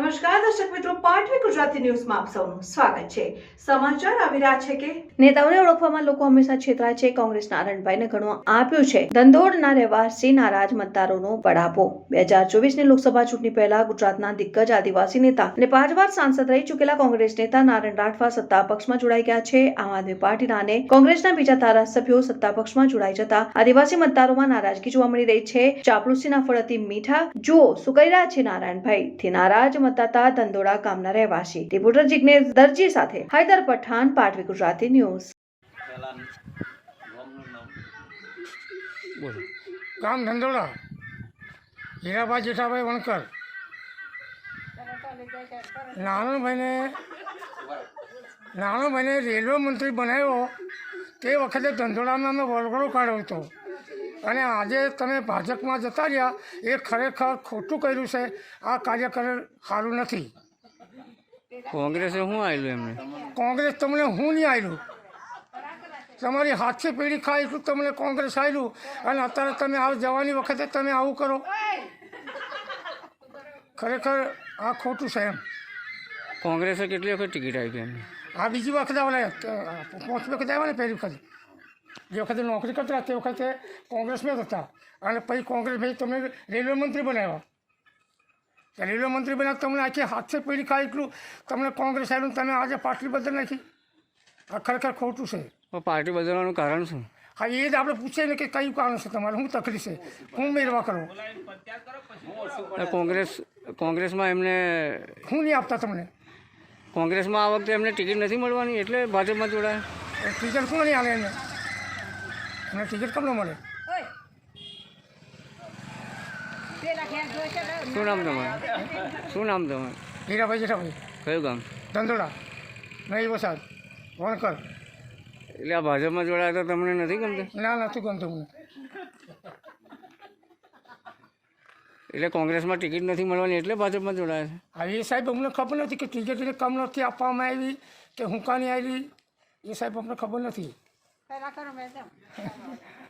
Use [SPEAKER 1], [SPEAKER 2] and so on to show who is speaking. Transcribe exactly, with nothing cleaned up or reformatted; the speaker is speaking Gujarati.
[SPEAKER 1] નમસ્કાર દર્શક મિત્રો, પાટવી ગુજરાતી ન્યૂઝમાં આપ સૌનું સ્વાગત છે। સમાચાર આવી રહ્યા છે કે નેતાઓને ઓળખવામાં લોકો હંમેશા છેતરાય છે। કોંગ્રેસ નારાયણભાઈને ઘણું આપ્યું છે, ધંધોળના રહેવાસી નારાજ મતદારોનો બળાપો। બે હજાર ચોવીસની લોકસભા ચૂંટણી પહેલા ગુજરાતના દિગ્ગજ આદિવાસી નેતા અને પાંચ વાર સાંસદ રહી ચૂકેલા કોંગ્રેસ નેતા નારાયણ રાઠવા સત્તા પક્ષમાં જોડાઈ ગયા છે। આમ આદમી પાર્ટીના અને કોંગ્રેસના બીજા ધારાસભ્યો સત્તા પક્ષમાં જોડાઈ જતા આદિવાસી મતદારોમાં નારાજગી જોવા મળી રહી છે। ચાપલુસીના ફળ અતિ મીઠા, જુઓ શું કરી રહ્યા છે નારાયણભાઈ। થી નારાજ મતદાતા ધંધોળા ગામના રહેવાસી। રિપોર્ટર જિગ્નેશ દરજી સાથે હૈદર પઠાણ, પાટવી ગુજરાતી ન્યૂઝ।
[SPEAKER 2] ગામ ધંધોળા, હીરાભાઈ જેઠાભાઈ વણકર। નારાયણભાઈને નારાયણભાઈને રેલવે મંત્રી બનાવ્યો તે વખતે ધંધોળામાં અમે વરઘોડો કાઢ્યો હતો, અને આજે તમે ભાજપમાં જતા રહ્યા એ ખરેખર ખોટું કર્યું છે। આ કાર્ય કરે સારું નથી।
[SPEAKER 3] કોંગ્રેસે શું આવેલું એમને?
[SPEAKER 2] કોંગ્રેસ તમને હું નહીં આવેલું, તમારી હાથથી પેઢી ખાય એટલું તમને કોંગ્રેસ આવેલું, અને અત્યારે તમે આ જવાની વખતે તમે આવું કરો, ખરેખર આ ખોટું છે એમ।
[SPEAKER 3] કોંગ્રેસે કેટલી વખત ટિકિટ આપી એમને?
[SPEAKER 2] આ બીજી વખત આવે પાંચ વખત આવ્યા ને, પહેલી વખત જે વખતે નોકરી કરતા તે વખતે કોંગ્રેસમાં જ હતા, અને પછી કોંગ્રેસ ભાઈ તમને રેલવે મંત્રી બનાવ્યા। રેલવે મંત્રી બનાવ્યા તમને આખી હાથથી પેઢી ખાય એટલું તમને કોંગ્રેસ આવ્યું, તમે આજે પાર્ટી બદલ નાખી। આ ખરેખર ખોટું છે।
[SPEAKER 3] પાર્ટી બદલવાનું કારણ શું?
[SPEAKER 2] હા, એ જ આપણે પૂછીએ ને કે કયું કારણ છે તમારે, શું તકલીફ છે, હું મેળવા કરો।
[SPEAKER 3] કોંગ્રેસ કોંગ્રેસમાં એમને
[SPEAKER 2] હું નહીં આપતા તમને,
[SPEAKER 3] કોંગ્રેસમાં આ વખતે એમને ટિકિટ નથી મળવાની એટલે ભાજપમાં જોડાયા।
[SPEAKER 2] ટિકિટ કોણ નહીં આલે એને, એમને ટિકિટ કેમ ન મળે?
[SPEAKER 3] શું નામ તમારે? શું નામ તમારે?
[SPEAKER 2] હીરાભાઈ જેઠાભાઈ,
[SPEAKER 3] કયું ગામ?
[SPEAKER 2] ધંધોળા, નહીં વસાદ, વણકર।
[SPEAKER 3] એટલે આ ભાજપમાં જોડાયા તો તમને નથી ગમતું?
[SPEAKER 2] ના, નથી ગમતું મને।
[SPEAKER 3] એટલે કોંગ્રેસમાં ટિકિટ નથી મળવાની એટલે ભાજપમાં જોડાયા છે?
[SPEAKER 2] હા, એ સાહેબ અમને ખબર નથી કે ટિકિટ એને કમ નથી આપવામાં આવી કે હું કાની આવી, એ સાહેબ અમને ખબર નથી।